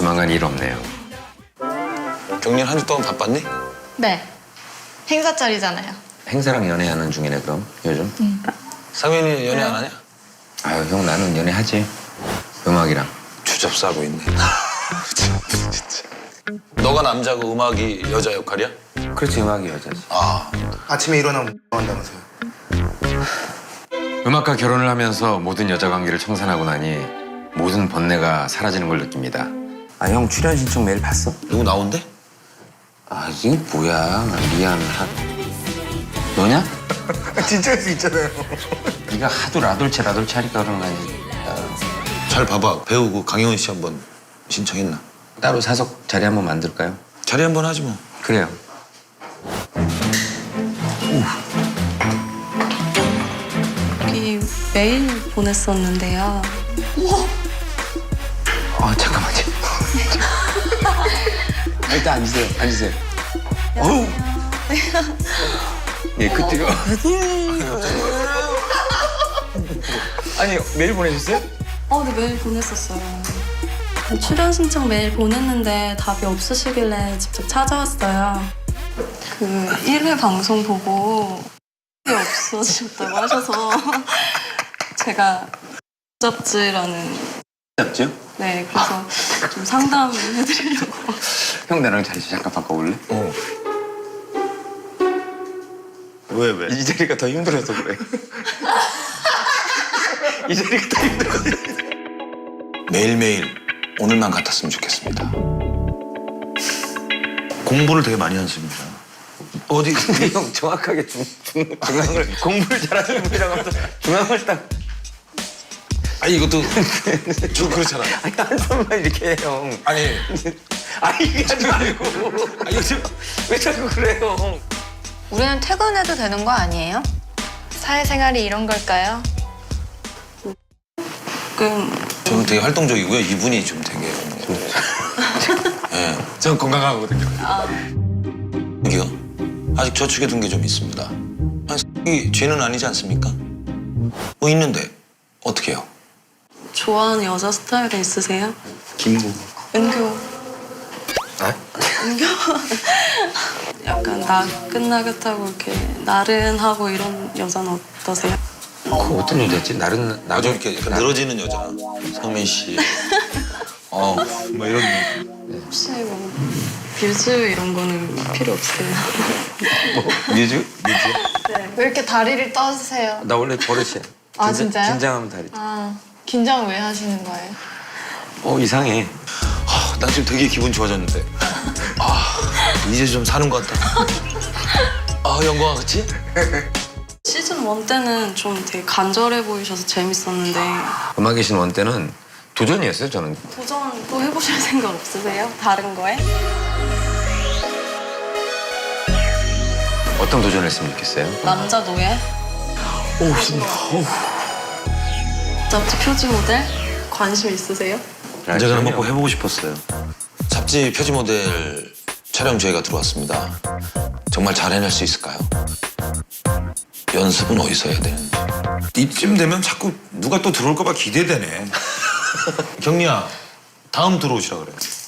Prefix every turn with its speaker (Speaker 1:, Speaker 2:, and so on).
Speaker 1: 조만간 일 없네요.
Speaker 2: 경리는 한 주 동안 바빴니?
Speaker 3: 네. 행사철이잖아요.
Speaker 1: 행사랑 연애하는 중이네 그럼 요즘?
Speaker 2: 상현이 연애 안 하냐?
Speaker 1: 아유 형 나는 연애하지. 음악이랑.
Speaker 2: 주접싸고 있네. 진짜. 너가 남자고 음악이 여자 역할이야?
Speaker 1: 그렇지 음악이 여자지.
Speaker 2: 아,
Speaker 4: 아침에 일어나면 뭐 한다면서요?
Speaker 1: 음악과 결혼을 하면서 모든 여자 관계를 청산하고 나니 모든 번뇌가 사라지는 걸 느낍니다. 아 형 출연 신청 메일 봤어?
Speaker 2: 누구 나온대?
Speaker 1: 아 이게 뭐야 미안하. 너냐?
Speaker 4: 진짜 할 수 있잖아요.
Speaker 1: 네가 하도 라돌체 하니까 그런 거 아니지.
Speaker 2: 잘 봐봐. 배우 그 강효은 씨 한번 신청했나?
Speaker 1: 따로 사석 자리 한번 만들까요?
Speaker 2: 자리 한번 하지 뭐.
Speaker 1: 그래요.
Speaker 5: 여기 메일 보냈었는데요.
Speaker 1: 잠깐만요. 일단 앉으세요. 어우. 예, 그때가. 아니 메일 보내셨어요?
Speaker 5: 네, 메일 보냈었어요. 출연 신청 메일 보냈는데 답이 없으시길래 직접 찾아왔어요. 그 1회 방송 보고 답이 없어지셨다고 하셔서 제가 잡지라는
Speaker 1: 잡지요?
Speaker 5: 네, 그래서 좀 상담해드리려고.
Speaker 1: 형 나랑 자리 잠깐 바꿔볼래?
Speaker 2: 왜?
Speaker 1: 이 자리가 더 힘들어서 그래. 이 자리가 더 힘들어서.
Speaker 2: 매일매일 오늘만 같았으면 좋겠습니다. 공부를 되게 많이 하십니다. 어디?
Speaker 1: 형 정확하게 중앙을 공부를 잘하는 분이라고 하면서 중앙을 딱.
Speaker 2: 아니 이것도 좀 그렇잖아.
Speaker 1: 아니 한 손만 이렇게 해 형.
Speaker 2: 아니
Speaker 1: 이게 하지 말고.
Speaker 2: 요즘
Speaker 1: 왜 자꾸 그래요?
Speaker 3: 우리는 퇴근해도 되는 거 아니에요? 사회생활이 이런 걸까요?
Speaker 2: 저는 되게 활동적이고요. 이분이 좀 되게 예,
Speaker 1: 전 건강하거든요.
Speaker 2: 여기요. 아직 저축해 둔 게 좀 있습니다. 아니, 이 죄는 아니지 않습니까? 뭐 있는데 어떻게 해요?
Speaker 5: 좋아하는 여자 스타일은 있으세요?
Speaker 1: 김구.
Speaker 5: 은교.
Speaker 1: 아?
Speaker 5: 은교? 약간 나긋나긋하고 이렇게 나른하고 이런 여자는 어떠세요?
Speaker 1: 그 어떤 여자였지? 나름
Speaker 2: 나도 이렇게 약간 늘어지는 여자. 성민 씨. 뭐 이런.
Speaker 5: 혹시 뭐 뮤즈 이런 거는 필요 없어요?
Speaker 1: 뮤즈?
Speaker 3: 왜 이렇게 다리를 떠세요?
Speaker 1: 나 원래 버릇이야.
Speaker 3: 아, 진짜요?
Speaker 1: 긴장하면 다리.
Speaker 3: 긴장 왜 하시는 거예요?
Speaker 1: 이상해.
Speaker 2: 난 지금 되게 기분 좋아졌는데. 이제 좀 사는 것 같다. 영광아, 그치?
Speaker 5: 시즌 1 때는 좀 되게 간절해 보이셔서 재밌었는데
Speaker 1: 음악의 신원 때는 도전이었어요 저는.
Speaker 5: 도전 또 해보실 생각 없으세요? 다른 거에?
Speaker 1: 어떤 도전을 했으면 좋겠어요?
Speaker 5: 남자 노예? 잡지 표지 모델? 관심 있으세요?
Speaker 2: 제가 한번 꼭 해보고 싶었어요. 잡지 표지 모델 촬영 저희가 들어왔습니다. 정말 잘 해낼 수 있을까요? 연습은 어디서 해야 되는지. 이쯤 되면 자꾸 누가 또 들어올까 봐 기대되네. 경리야, 다음 들어오시라 그래.